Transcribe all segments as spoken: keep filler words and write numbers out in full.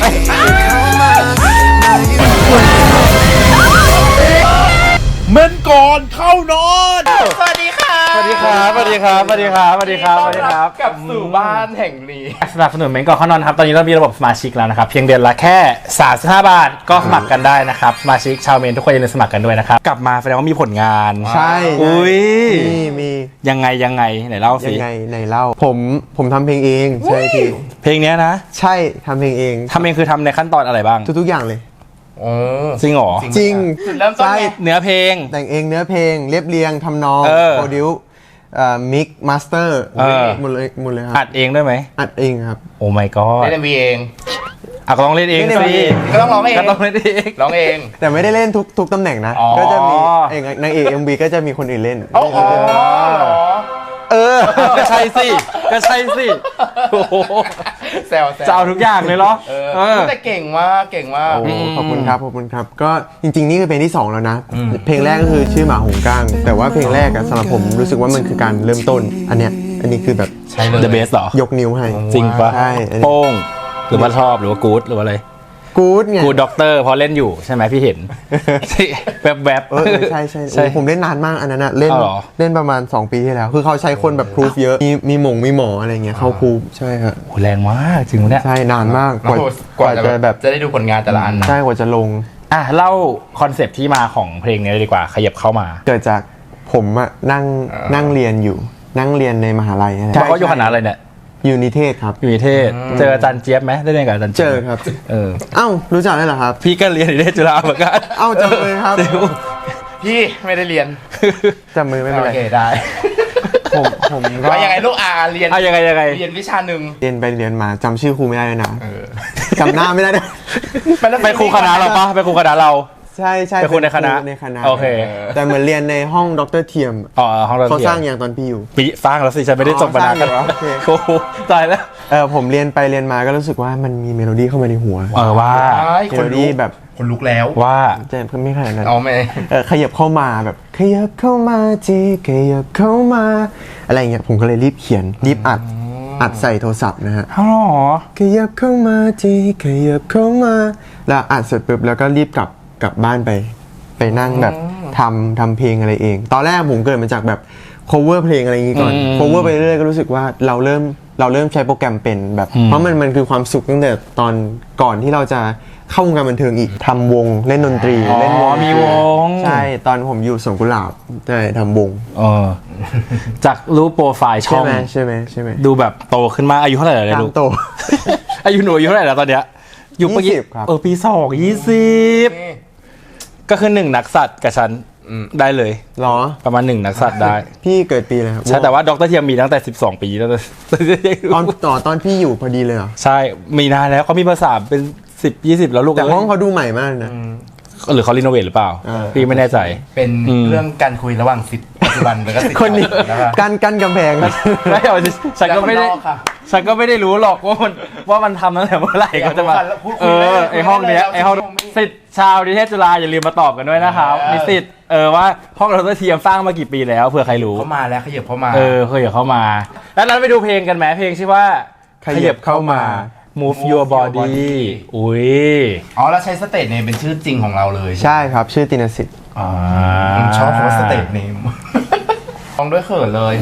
เมื่อก่อนเข้านอนสวัสดีค่ะสวัสดีครับสวัสดีครับสวัสดีครับสวัสดีครับสวัสดีครับกลับสู่บ้านแห่งนี้สนับสนุนเมนก่อนเข้านอนครับตอนนี้เรามีระบบสมาชิกแล้วนะครับเพียงเดือนละแค่สามสิบห้าบาทก็สมัครกันได้นะครับสมาชิกชาวเมนทุกคนอย่าลืมสมัครกันด้วยนะครับกลับมาแสดงว่ามีผลงานใช่อุ้ยมีมียังไงยังไงไหนเล่าสิยังไงไหนเล่าผมผมทำเพลงเองใช่พี่เพลงนี้นะใช่ทำเพลงเองทำเองคือทำในขั้นตอนอะไรบ้างทุกๆอย่างเลยจริงเหรอจริงใช่เนื้อเพลงแต่งเองเนื้อเพลงเรียบเรียงทำนองโปรดิวมิกมาสเตอร์หมดเลยหมดเลยครับอัดเองด้วยไหมอัดเองครับโอ้ my god เล่น เอ็ม วี เองอ่ะก็ต้องเล่นเองสิก็ต้องร้องเองก็ต้องเล่นเองร้องเองแต่ไม่ได้เล่นทุกทุกตำแหน่งนะก็จะมีเองนางเอก เอ็ม วี ก็จะมีคนอื่นเล่นอ๋อเออก็ใช่สิก็ใช่สิโอ้โหแซวแซวจะเอาทุกอย่างเลยเหรอเออแต่เก่งมากเก่งมากขอบคุณครับขอบคุณครับก็จริงๆนี่คือเพลงที่สองแล้วนะเพลงแรกก็คือชื่อหมาหงก้างแต่ว่าเพลงแรกสำหรับผมรู้สึกว่ามันคือการเริ่มต้นอันเนี้ยอันนี้คือแบบ The Best เหรอยกนิ้วให้จริงปะใช่โป้งหรือว่าชอบหรือว่ากู๊ดหรือว่าอะไรกู๊ดไงกู๊ดด็อกเตอร์พอเล่นอยู่ใช่ไหมพี่เห็นแบบแบบเออใช่ใช่ใช่ผมเล่นนานมากอันนั้นนะเล่นเล่นประมาณสองปีที่แล้วคือเขาใช้คนแบบพรูฟเยอะมีมีหมงมีหมออะไรเงี้ยเขาพรูฟใช่ครับโหแรงมากจริงเนี่ยใช่นานมากกว่ากว่าจะแบบจะได้ดูผลงานแต่ละอันใช่กว่าจะลงอ่ะเล่าคอนเซปต์ที่มาของเพลงนี้เลยดีกว่าขยับเข้ามาเกิดจากผมอะนั่งนั่งเรียนอยู่นั่งเรียนในมหาลัยเขาเขาอยู่คณะอะไรเนี่ยอยู่นิเทศครับอยู่นิเทศเจออาจารย์เจี๊ยบไหมได้เรียนกับอาจารย์เจอครับเออเอ้ารู้จักได้เหรอครับพี่ก็เรียนนิเทศจุฬาเหมือนกันเอ้าจำเลยครับพี่ไม่ได้เรียนจำมือไม่เป็นไรโอเคได้ผมผมก็ยังไงลูกอาเรียนยังไงยังไงเรียนวิชาหนึ่งเรียนไปเรียนมาจำชื่อครูไม่ได้เลยนะจำหน้าไม่ได้เลยไปครูคณะเราปะไปครูคณะเราใช่ใช่เป็นคนในคณะในคณะโอเคแต่เหมือนเรียนในห้องดรเทียมอ๋อห้องดรเทียมเขาสร้างอย่างตอนพี่อยู่ปีสร้างแล้วสิฉันไม่ได้จบมาแล้วโอ้โหตายแล้วเออผมเรียนไปเรียนมาก็รู้สึกว่ามันมีเมโลดี้เข้ามาในหัวเออว่าเมโลดี้แบบคนลุกแล้วว่าจะไม่ขนาดนั้นอ๋อไม่เออขยับเข้ามาแบบขยับเข้ามาจีขยับเข้ามาอะไรเงี้ยผมก็เลยรีบเขียนรีบอัดอัดใส่โทรศัพท์นะฮะอ๋อขยับเข้ามาจีขยับเข้ามาแล้วอัดเสร็จปุ๊บแล้วก็รีบกลับกลับบ้านไปไปนั่งแบบทำทำเพลงอะไรเองตอนแรกผมเกิดมาจากแบบ cover เพลงอะไรอย่างงี้ก่อน cover ไปเรื่อยๆก็รู้สึกว่าเราเริ่มเราเริ่มใช้โปรแกรมเป็นแบบเพราะมันมันคือความสุขตั้งแต่ตอนก่อนที่เราจะเข้าวงการบันเทิงอีกทำวงเล่นดนตรีเล่นวงมีวงใช่ตอนผมอยู่สวนกุหลาบใช่ทำวงเออจากรูปโปรไฟล์ช่องใช่ไหมใช่ไหมใช่ไหมดูแบบโตขึ้นมาอายุเท่าไหร่แล้วลูกโตอายุหนูอายุเท่าไหร่แล้วตอนเนี้ยอยู่ปีเออปีสองยี่สิบก็คือหนึ่งนักสัตว์กับฉันได้เลยหรอประมาณหนึ่งนักสัตว์ได้พี่เกิดปีอะไรครับใช่แต่ว่าดรเทียมมีตั้งแต่สิบสองปีแล้วตอนต่อตอนพี่อยู่พอดีเลยเหรอใช่มีนานแล้วเขามีภาษาเป็นสิบยี่สิบแล้วลูกแต่ห้องเขาดูใหม่มากนะหรือเขารีโนเวทหรือเปล่าพี่ไม่แน่ใจเป็นเรื่องการคุยระหว่างสิทธิ์ปัจจุบันแล้วก็สิทธิ์คนนี้กันกันกำแพงไม่เอาฉันก็ไม่ได้ฉันก็ไม่ได้รู้หรอกว่ามันว่ามันทำตั้งแต่เมื่อไหร่ก็จะมาเออไอห้องเนี้ยไอห้องสิทธิ์ชาวนิเทศจุฬาอย่าลืมมาตอบกันด้วยนะครับนิสิตเออว่าห้องดรเทียมสร้างมากี่ปีแล้วเผื่อใครรู้เขามาแล้วขยับเข้ามาเออขยับเข้ามาแล้วนั้นไปดูเพลงกันไหมเพลงชื่อว่าขยับเข้ามา Move Your Body อุ้ยอ๋อแล้วใช้สเตทเนมเป็นชื่อจริงของเราเลยใช่ครับชื่อตินสิทธิ์อ่าชอบคำว่าสเตทเนมลองด้วยเขินเลย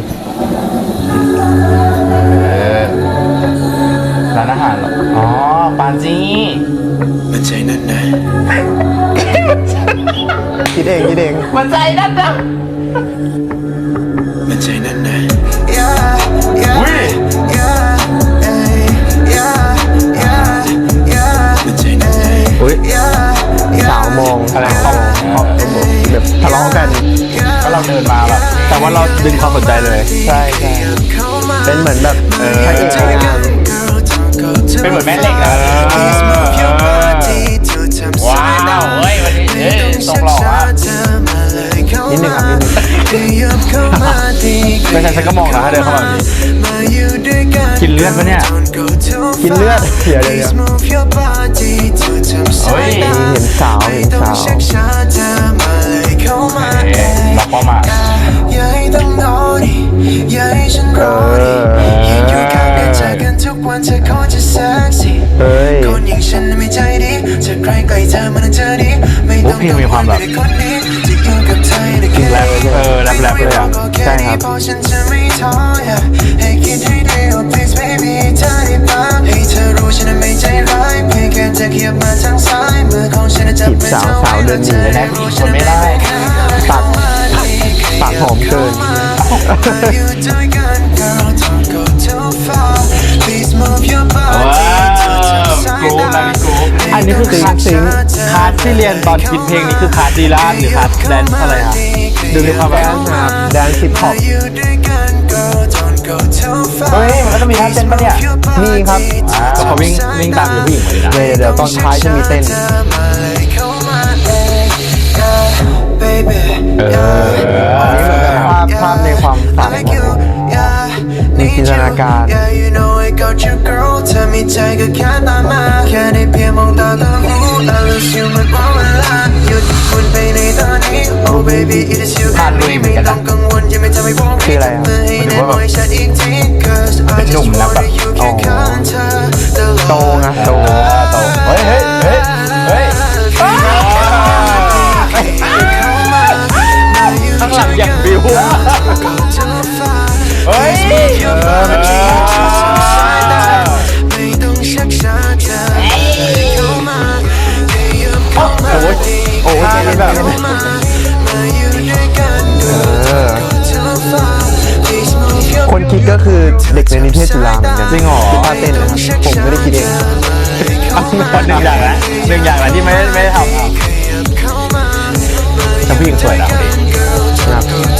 ร้านอาหารอ๋อปานจีมันใจนั่นนะคิดเองคิดเองมันใจนั่นนะมันใจนั่นนะวิอุ้ยสาวมองอะไรเขาแบบทะเลาะกันก็เราเดินมาแบบแต่ว่าเราดึงความสนใจเลยใช่ใช่เป็นเหมือนแบบเออเป็นเหมือนแม่เหล็กนะว้าวเฮ้ยวันนี้เฮ้ยทรงหล่ออ่ะนิดนึงครับนิดนึงไม่ใช่ฉันก็มองนะเดินเข้ามากินเลือดปะเนี่ยกินเลือดเสียเลยเนี่ยเฮ้ยเห็นสาวเห็นสาวล็อกเข้ามาเออเฮ้ยอย่างฉันไม่ใจดีจะใครใกล้เธอมันเธอดีไม่ต้องกังวลไม่ได้คนนี้จะอยู่กับเธอได้แค่แรปเออแรปแรปเลยอ่ะใช่ครับเพราะฉันจะไม่ท้อให้คิดให้ดี oh please baby เธอได้ปะให้เธอรู้ฉันไม่ใจร้ายเพียงแค่เธอเขียบมาทางซ้ายมือของฉันจะเป็นเธอไว้แล้วเธอได้รู้ฉันไม่ได้ปากปากหอมเกินอยู่ด้วยกัน girl don't go too far please move your ว้า body to the ว side กรูปนะพี่กรูปอันนี้คือคลาสซิงคลาสที่เรียนตอนคิดเพลงนี้คือคลาสดีลานหรือคลาสแดนซ์อะไรครับดูมีความแบบครับแดนซ์ฮิปฮอปอยู่ด้วยกัน girl don't go too far เฮ้ยมันก็ต้องมีท่าเต้นปะเนี่ยมีครับก็เขาวิ่งวิ่งตามอยู่ผู้หญิงมาเลยนะเดี๋ยวเดี๋ยวตอนท้ายจะมีเต้นเอออันนี้เหมือนแบบภาพภาพในความฝันมีจินตนาการเธอมีใจก็แค่ตามมาแค่ได้เพียงมองตาก็รู้ I lose you มันเพราะเวลาหยุดคุณไปในตอนนี้ Oh baby it is you and me ไม่ต้องกังวลยังไม่ทำให้พวกนี้จับมือให้แน่นไว้ชัดอีกที Cause I just wanna you แค่ข้างเธอตลอดโตไงโตโตเฮ้ยเฮ้ยเฮ้ยเฮ้ยข้างหลังอย่างบิวเฮ้ยโอ้ยโอ้ยเจนี่แบบเออคนคิดก็คือเด็กในนิเทศจุฬาเหมือนกันจริงเหรอคือท่าเต้นนะครับผมไม่ได้คิดเองหนึ่งอย่างนะหนึ่งอย่างนะที่ไม่ได้ไม่ได้ทำอ่ะแต่ผู้หญิงสวยนะคนนี้ครับ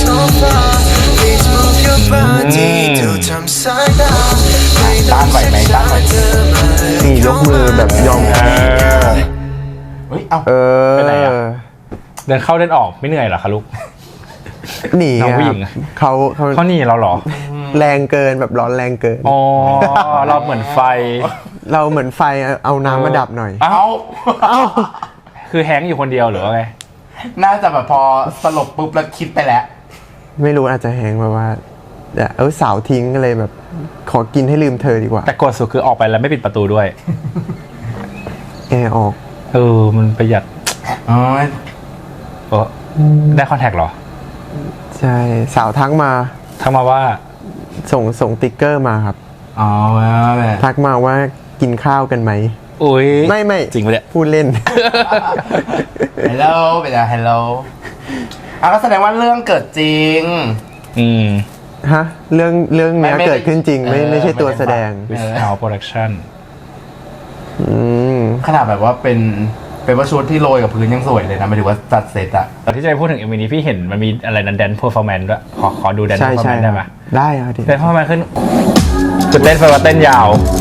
ต้านไหวไหมต้านไหวนี่ยกมือแบบยอมเออเฮ้ย เอ้าเออไปไหนอะ เดินเข้าเดินออกไม่เหนื่อยเหรอคะลูกหนีน้องผู้หญิงคอะรับเขาเขาเขาหนีเราเหรอแรงเกินแบบร้อนแรงเกินอ๋อเราเหมือนไฟเราเหมือนไฟเอาน้ำมาดับหน่อยเอ้าเอ้าคือแฮงก์อยู่คนเดียวหรือว่าไงน่าจะแบบพอสลบปุ๊บแล้วคิดไปแล้วไม่รู้อาจจะแหงแบบว่าเออสาวทิ้งก็เลยแบบ ขอกินให้ลืมเธอดีกว่าแต่กดสุดคือออกไปแล้วไม่ปิดประตูด้วยแอร์ออกเออ มันประหยัดอ๋อเออได้คอนแทคเหรอใช่สาวทักมาทักมาว่าส่งส่งติ๊กเกอร์มาครับอ๋อแล้วแบบทักมาว่ากินข้าวกันไหมอุ้ยไม่ไม่จริงปะเนี่ยพูดเล่นฮัลโหลเป็นอะไรฮัลโหลอ่ะก็แสดงว่าเรื่องเกิดจริงอืมฮะ เรื่องเรื่องเนี้ยไม่ไม่เกิดขึ้นจริง ไม่เออไม่ใช่ตัวแสดงไม่ with our production อืมขนาดแบบว่าเป็นเป็นว่าชุดที่โรยกับพื้นยังสวยเลยนะหมายถึงว่าจัดเสร็จอะแต่ที่จะไปพูดถึงเอ็มวีนี้พี่เห็นมันมีอะไรนั้นแดนเพอร์ฟอร์แมนซ์ด้วย ขอขอดูแดนเพใช่อร์ฟอร์ใช่แมนซ์ได้ไหมได้ครับดิแดนเพอร์ฟอร์แมนซ์ขึ้นจุดเต้นไฟว่าเต้นยาว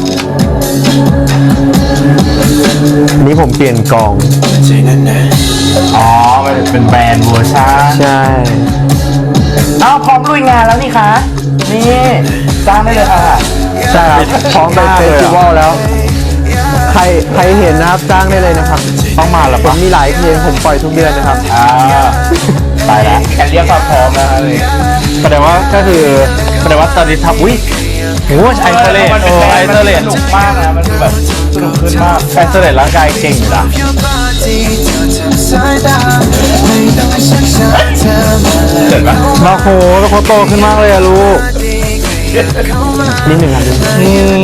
นี่ผมเปลี่ยนกองใจนั้นนะอ๋อมันเป็นแบรนด์เวอร์ชันใช่อ้าวพร้อมลุยงานแล้วนี่คะ นี่จ้างได้เลยค่ะใช่ครับพร้อมไปเฟสติวัลแล้ว ใครใครเห็นนะครับจ้างได้เลยนะครับต้องมาเหรอผมปะมีหลายเพลงผมปล่อยทุกเดือนนะครับอ่าตายแล้วแค่เรียกความพร้อมนะเลยแสดงว่าก็คือแสดงว่าตอนนี้ทำอุ้ยโอ้ยไอโซเลตมันโอ้เป็นไอโซเลตสนุกมากนะ มันคือแบบสนุกขึ้นมากไอโซเลตร่างกายเก่งอยู่นะ your body to the side ไม่ต้องชักช้าเธอมาเลยเห็นปะมาโหแล้วเขาโตขึ้นมากเลยอะลูกนิดหนึ่งครับอืม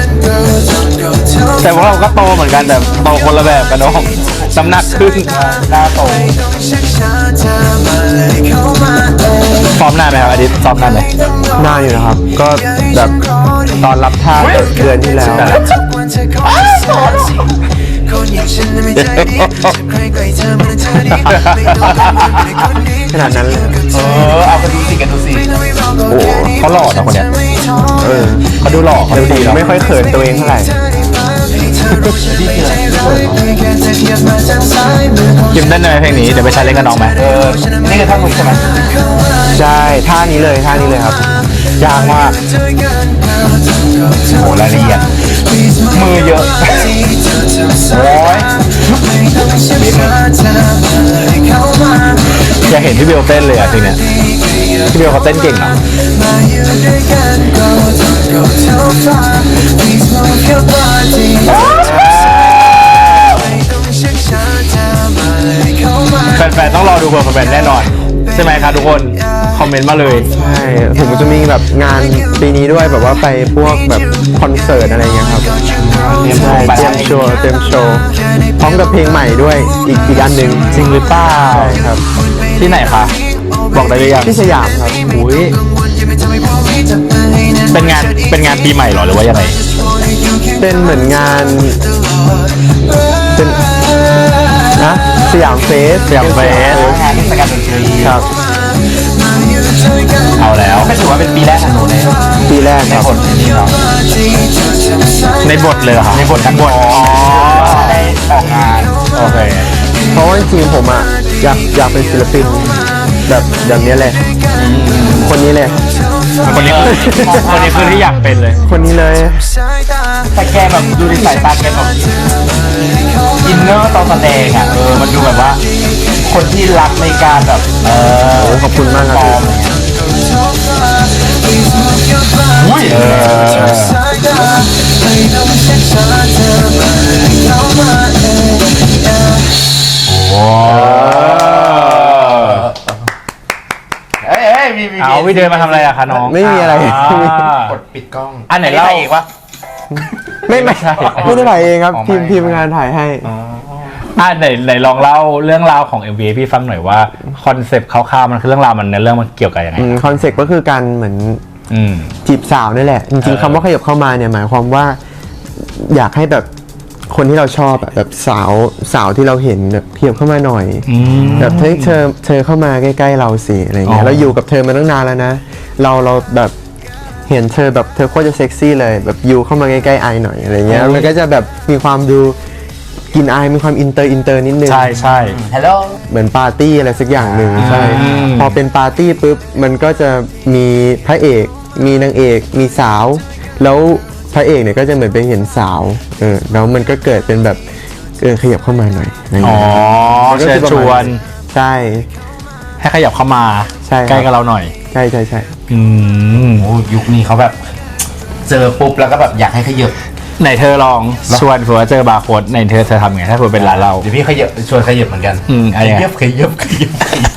แต่ว่าเราก็โตเหมือนกันแต่โตคนละแบบกันเนาะน้ำหนักขึ้นหน้าโตซ้อมนานไหมครับอดิตซ้อมนานไหมนานอยู่นะครับ ก็แบบตอนรับท่าเดือนที่แล้วคนอย่างฉันไม่ใจดีใครใกล้เธอมันเธอดีไม่ต้องกังวลไม่ได้คนนี้ขนาดนั้นเลยเออ เอากันดูสิกันดูสิโอ้เขาหล่อนะคนเนี้ยเออเขาดูหล่อเขาดูดีเนาะไม่ค่อยเขินตัวเองเท่าไหร่คิมเต้นในเพลงนี้เดี๋ยวไปใช้เล่นกับน้องไหมเออ นี่คือท่ามุกใช่ไหมใช่ท่านี้เลยท่านี้เลยครับยากมากโหรายละเอียดมือเยอะ โอ้ยอยากเห็นพี่เบลเต้นเลยอะทีเนี้ยพี่เบลเขาเต้นเก่งเนาะ Please move your body อดูเพอร์ฟอร์แมนซ์แน่นอน ใช่ไหมครับทุกคนคอมเมนต์มาเลยใช่ผมจะมีแบบงานปีนี้ด้วยแบบว่าไปพวกแบบคอนเสิร์ตอะไรเงี้ยครับใช่เตรียมโชว์เตรียมโชว์พร้อมกับเพลงใหม่ด้วยอีกอีกอันหนึ่งจริงหรือเปล่าใช่ครับที่ไหนคะบอกได้หรือยังที่สยามครับอุ้ยเป็นงานเป็นงานปีใหม่เหรอหรือว่ายังไงเป็นเหมือนงานเป็นนะสยามเฟสสยามเฟสงานเทศกาลดนตรีครับเอาแล้วไม่ถือว่าเป็นปีแรกของหนูเลยปีแรกในครับบทนี้เนาะในบทเลยเหรอคะในบททั้งบทอ๋อได้ออกงานโอเคเพราะว่าจริงๆผมอ่ะอยากอยากเป็นศิลปินแบบแบบนี้แหละคนนี้เลยคนนี้คือคนนี้คือที่อยากเป็นเลยคนนี้เลยแต่แกแบบดูในสายตาแกแบบอินเนอร์ตอนแสดงอ่ะเออมันดูแบบว่า คนที่รักในการแบบเออโอ้ขอบคุณมากครับอุ้ยเออโอ้เอ้ยเอ้ยมีมีเอาวิเดินมาทำอะไรอะคะน้องไม่มีอะไรกดปิดกล้องอันไหนเล่าอีกวะไม่ไม่ใช่ไม่ได้ถ่ายเองครับอ๋อทีมไม่ทีมงานถ่ายให้อ่ะไหนไหนลองเล่าเรื่องราวของ เอ็ม วี ให้พี่ฟังหน่อยว่าคอนเซปต์คร่าวๆมันคือเรื่องราวมันในเรื่องมันเกี่ยวกับยังไงคอนเซ็ปต์ก็คือการเหมือนอืมจีบสาวนี่แหละ จริงเออๆคำว่าขยับเข้ามาเนี่ยหมายความว่า อยากให้แบบคนที่เราชอบอะแบบสาวสาวที่เราเห็นแบบขยับเข้ามาหน่อยอืมแบบเฮ้ยเธอเธอเข้ามาใกล้ๆเราสิอะไรเงี้อ๋ยอเราอยู่กับเธอมาตั้งนานแล้วนะ เราเราแบบเห็นเธอแบบเธอโคตรจะเซ็กซี่เลยแบบยูเข้ามาใกล้ๆไอหน่อยอะไรเงี้ยมันก็จะแบบมีความดูกลินอายมีความอินเตอร์อินเตอร์นิดนึงใช่ใช่ฮัลโหลเหมือนปาร์ตี้อะไรสักอย่างหนึ่งใช่อืมพอเป็นปาร์ตี้ปุ๊บมันก็จะมีพระเอก มีนางเอก มีสาว แล้วพระเอกเนี่ยก็จะเหมือนไปเห็นสาวเออแล้วมันก็เกิดเป็นแบบเออขยับเข้ามาหน่อยอะไรอ๋อเงี้ยมันก็เชิคืญอประชมาณวนใช่ให้ขยับเข้ามาใช่ครับใกล้กับเราหน่อยใช่ใช่ใช่อืมโอ้ยุคนี้เขาแบบ เจอปุ๊บแล้วก็แบบอยากให้ขยับไหนเธอลองชวนเผื่อเจอบาร์โค้ดในเธอเธอทำไงถ้าเผื่อเป็นร้านเราเดี๋ยวพี่ขยับชวนขยับเหมือนกันอืมอะไรขอ่ะยับขยับขยับขยับ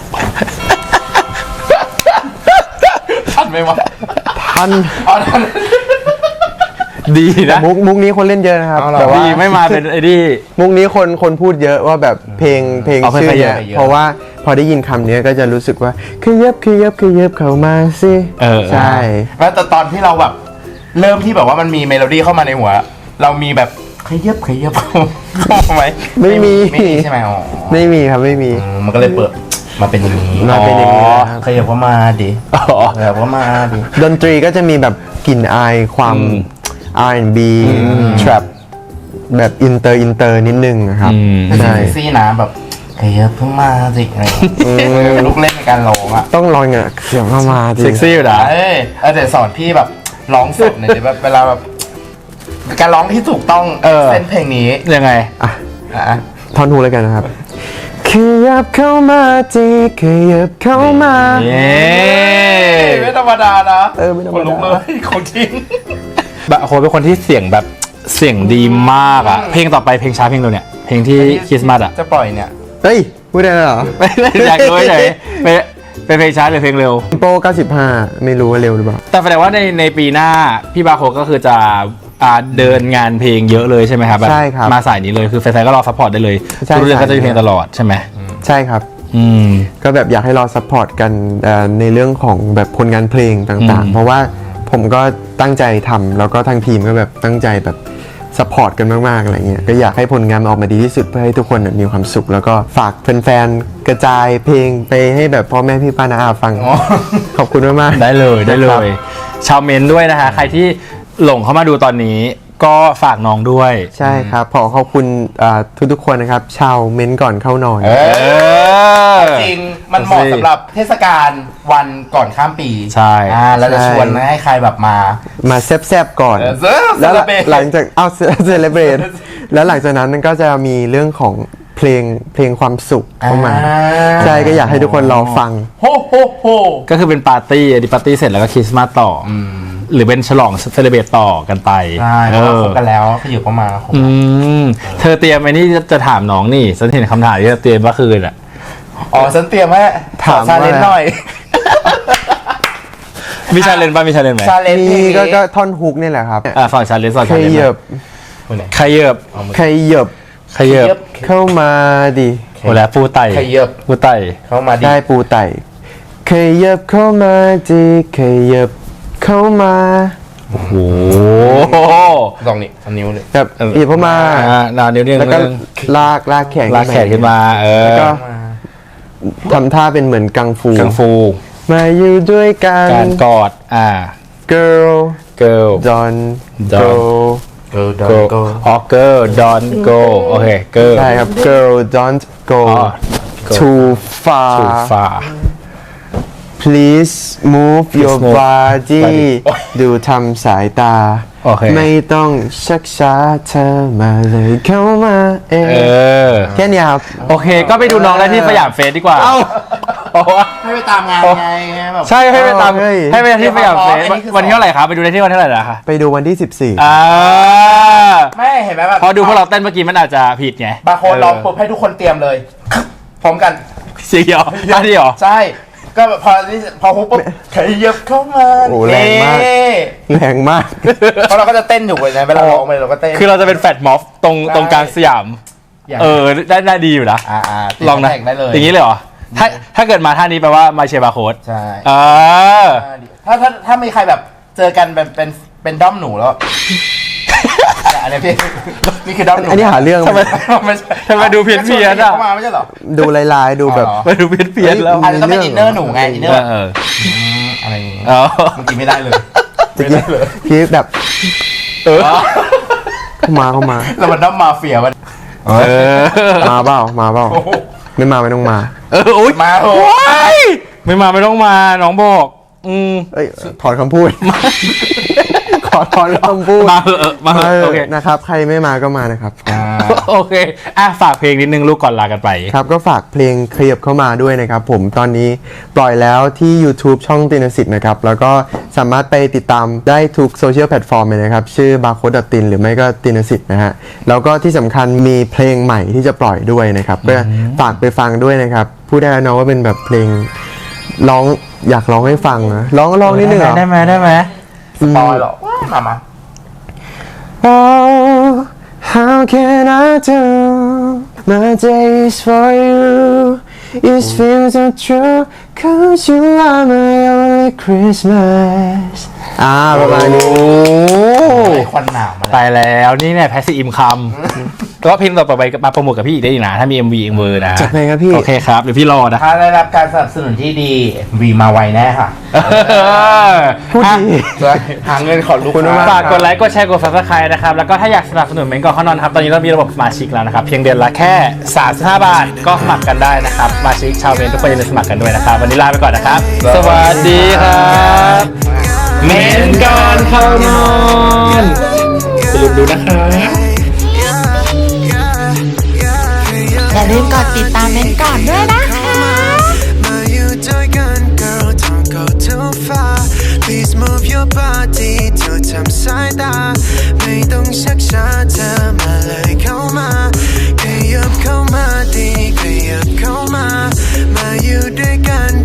ทันไหมวะท่านเอาทันดีแต่นะมุกมุกนี้คนเล่นเยอะนะครับเอาเหรอแต่ว่าดีไม่มาเป็นไอ้นี่มุกนี้คนคนพูดเยอะว่าแบบเพลงเพลงเอาเพลงชื่อขยัเนี่บยเพราะว่าพอได้ยินคำนี้ก็จะรู้สึกว่าขยับขยับขยับเข้ามาสิเออใช่แล้วแต่ตอนที่เราแบบ เริ่มที่แบบว่ามันมีเมโลดี้เข้ามาในหัว เรามีแบบขยับขยับเข้าไหมไม่มีไม่มีใช่ไหมอ๋อไม่มีครับไม่มีอืมมันก็เลยเปิดมาเป็นอย่างนี้มาเป็นอย่างนี้อ๋อนะครับขยับเข้ามาดิอ๋อขยับเข้ามาดิดนตรีก็จะมีแบบกลิ่นอายความอืมอาร์ แอนด์ บี trap แบบอินเตอร์อินเตอร์นิดนึงนะครับอืมไม่ใช่ใช่เซ็กซี่นะแบบขยับเข้ามาสิอะไรอย่างเงี้ยลูกเล่นในการร้องอ่ะต้องลองเนี่ยเสียงเข้ามาดิเซ็กซี่อยู่นะเอ้ยเออเดี๋ยวสอนพี่แบบร้องสดหน่อยดิแบบเวลาแบบการร้องที่ถูกต้องเออเส้นเพลงนี้ยังไงอ่ะอ่ะท่อนฮูเลยกันนะครับขยับเข้ามาจีขยับเข้ามาเย้ไม่ธรรมดานะเออไม่ธรรมดาคนลุกเลยของจริงบาร์โค้ดเป็นคนที่เสียงแบบเสียงดีมากอะเพลงต่อไปเพลงช้าเพลงเร็วเนี่ยเพลงที่คริสต์มาสอะจะปล่อยเนี่ยเฮ้ยพูดได้แล้วเหรอไม่ไม่อยากรู้เฉยๆเป็นเป็นเพลงช้าหรือเพลงเร็วโปรเก้าสิบห้าไม่รู้ว่าเร็วหรือเปล่าแต่แสดงว่าในในปีหน้าพี่บาร์โค้ดก็คือจะอ่าเดินงานเพลงเยอะเลยใช่ไหมครับแบบใช่ครับมาสายนี้เลยคือแฟนๆก็รอซัพพอร์ตได้เลยใช่ทุกเรื่องก็จะมีใช่เพลงตลอดใช่ไหมใช่ครับอืมก็แบบอยากให้รอซัพพอร์ตกันเอ่อในเรื่องของแบบผลงานเพลงต่างอืมๆ เพราะว่าผมก็ตั้งใจทำแล้วก็ทางทีมก็แบบตั้งใจแบบซัพพอร์ตกันมากๆอะไรเงี้ยก็อยากให้ผลงานมันออกมาดีที่สุดเพื่อให้ทุกคนน่ะมีความสุข แล้วก็ฝากแฟนๆกระจายเพลงไปให้แบบพ่อแม่พี่ป้าน้าอาฟังอ๋อขอบคุณมากๆได้เลยได้เลนะครับย ชาวเมนด้วยนะคะใครที่หลงเข้ามาดูตอนนี้ ก็ฝากน้องด้วยใช่ครับขอขอบคุณอ่าทุกๆคนนะครับชาวเม้นก่อนเข้านอนเอเอออจริงมันเหมาะสำหรับเทศกาลวันก่อนข้ามปีใช่อ่าเราจะชวนให้ใครแบบมามาแซบๆก่อนเออเซอแล้วเลเบรตหลังจากเอาเซเลเบรตแล้วหลังจากนั้นมันก็จะมีเรื่องของเพลงเพลงความสุขเข้ามาอ่าใช่ก็อยากให้ทุกคนรอฟังโฮโฮโฮก็คือเป็นปาร์ตี้อันนี้ปาร์ตี้เสร็จแล้วก็คริสต์มาสต่ออหรือเป็นฉลองเซเลบรตต่อกันไปใช่เพเอราะว่าอคบกันแล้วขยับเข้ามาคบอืมเธอเตรียมไอ้นี่จะถามน้องนี่ฉันเห็นคำถามที่เธอเตรียมเมื่อคืนอ่ะอ๋อฉันเตรียมไว้ถามชาเลนจ์ว่าหน่อยมีชาเลนจ์ป่ะมีชาเลนจ์ไหมชาเลนจ์เพลนี่งก็นี้ก็ท่อนฮุกนี่แหละครับอ่ะฝั่งชาเลนจ์ฝั่งขชาเลนจ์ยับขยับขยับขยับเข้ามาดิโอ้แล้วปูไต่ขยับปูไต่เข้ามาดิได้ปูไต่ขยับเข้ามาดิขยับเข้ามาโอ้โหลองนี่เอานิ้วเลยแบบอีบเข้ามาอ่านานิ้วเดียวแล้วก็นึงลากลากแขนลากแขนขึ้นมา เออแล้วก็ทำท่าเป็นเหมือนกังฟูกังฟูมาอยู่ด้วยกันการกอด อ่า girl girl don't Don't go เออ go โกอ๋อ girl don't go โอเค girl ใช่ครับ girl don't go อ๋อ go too far too far please move your move body body ดูทำสายตาโอเคไม่ต้องชักช้าเธอมาเลยเข้ามาเอเอง อแค่นี้ครับโอเค ก็ไปดูน้องได้ที่สยามเฟสดีกว่า เอ้าให้ไปตามงานไงแบบใช่ให้ไปตามเฮ้ยให้ไปที่สยามเฟสอันนี้คือวันที่เท่าไหร่ครับ ไปดูได้ที่วันเท่าไหร่นะคะไปดูวันที่สิบสี่อ่าไม่เห็นไหมแบบพอดูพวกเราเต้นเมื่อกี้มันอาจจะผิดไงบางคนร้องปุ๊บให้ทุกคนเตรียมเลย พร้อมกันเสียงเหรอท่าที่เหรอใช่ ก็แบบพอที่พอฮุบปุ๊บขยับเข้ามาโอ้แรงมากเอ๊ะแรงมากเพราะเราก็จะเต้นอยู่เลยนะเวลาร้องไปเราก็เต้นคือเราจะเป็นแฟตม็อฟตรงใช่ตรงกลางสยามย่างเออ ได้ได้ดีอยู่นะอ่าอ่าลองนะแข่งได้เลยอย่างนี้เลยเหรอ ถ้าถ้าเกิดมาท่านี้แปลว่ามาเชียร์บาร์โค้ดใช่อ่าถ้าถ้าถ้ามีใครแบบเจอกันเป็นเป็นเป็นด้อมหนูแล้ว อันนี้พี่นี่คือด้อมหนูอันนี้หาเรื่องทำไมไม่ใช่ทำไมดูเพี้ยนเพี้ยนๆอ่ะเข้ามาไม่ใช่เหรอดูลายๆดูแบบอ๋อมาดูเพี้ยนเพี้ยนๆแล้วอาจจะต้องเป็นอินเนอร์หนูไงอินเนอเอร์อเอออะไรอย่างงี้เอาเมื่อกี้ไม่ได้เลยตะไม่กี้ได้เลยพี่แบบเออเข้ามาเข้ามาแล้วมันด้อมมาเฟียมันเออมาเปล่ามาเปล่าไม่มาไม่ต้องมาเอออุ้ยมาโอ้ว้ายไม่มาไม่ต้องมาน้องบอก อืมเอ้ยถอนคำพูด ขอถอนคำพูดมาเถอะมาเถมาอะเถโอเคอะนะครับ ใครไม่มาก็มานะครับโอเคอ่ะฝากเพลงนิดนึงลูกก่อนลากันไปครับก็ฝากเพลงขยับเข้ามาด้วยนะครับผมตอนนี้ปล่อยแล้วที่ YouTube ช่องตินสิทธิ์นะครับ แล้วก็สามารถไปติดตามได้ทุกโซเชียลแพลตฟอร์มเลยนะครับ ชื่อบาร์โค้ดตินหรือไม่ก็ตินสิทธิ์นะฮะ แล้วก็ที่สำคัญมีเพลงใหม่ที่จะปล่อยด้วยนะครับ ก็ฝากไปฟังด้วยนะครับ พูดได้แล้วเนาะว่าเป็นแบบเพลงร้องอยากร้องให้ฟังนะร้องร้องนิดนึงเหรอได้ไหมได้ไหมสปอยเหรอมามา Oh, how can I do? My day is for you. It feels so true. Cause you are my only Christmas. อ่าประมาณนี้ไอ้ควันหนาวมาแล้วตายแล้วนี่เนี่ยแพสซีฟอินคัมก็เพลงต่อไปมาโปรโมทกับพี่อีกได้อีกนะ ถ้ามี เอ็ม วี เอ็ม วี นะจัดไปครับพี่โอเคครับเดี๋ยวพี่รอนะถ้าได้รับการสนับสนุนที่ดีวีมาไวแน่ค่ะพูดดีหาเงินขอลูกคุณค้าฝากกดไลค์กดแชร์กด ซับสไครบ์ นะครับ แล้วก็ถ้าอยากสนับสนุนเมนก่อนเข้านอนครับ ตอนนี้เรามีระบบสมาชิกแล้วนะครับ เพียงเดือนละแค่สามสิบห้าบาทก็สมัครกันได้นะครับสมาชิกชาวเมนทุกคนอย่าลืมสมัครกันด้วยนะครับ วันนี้ลาไปก่อนนะครับ สวัสดีครับเมนก่อนเข้านอนอย่าลืมดูนะครับอย่าลืมกดติดตามเมนก่อนด้วยนะ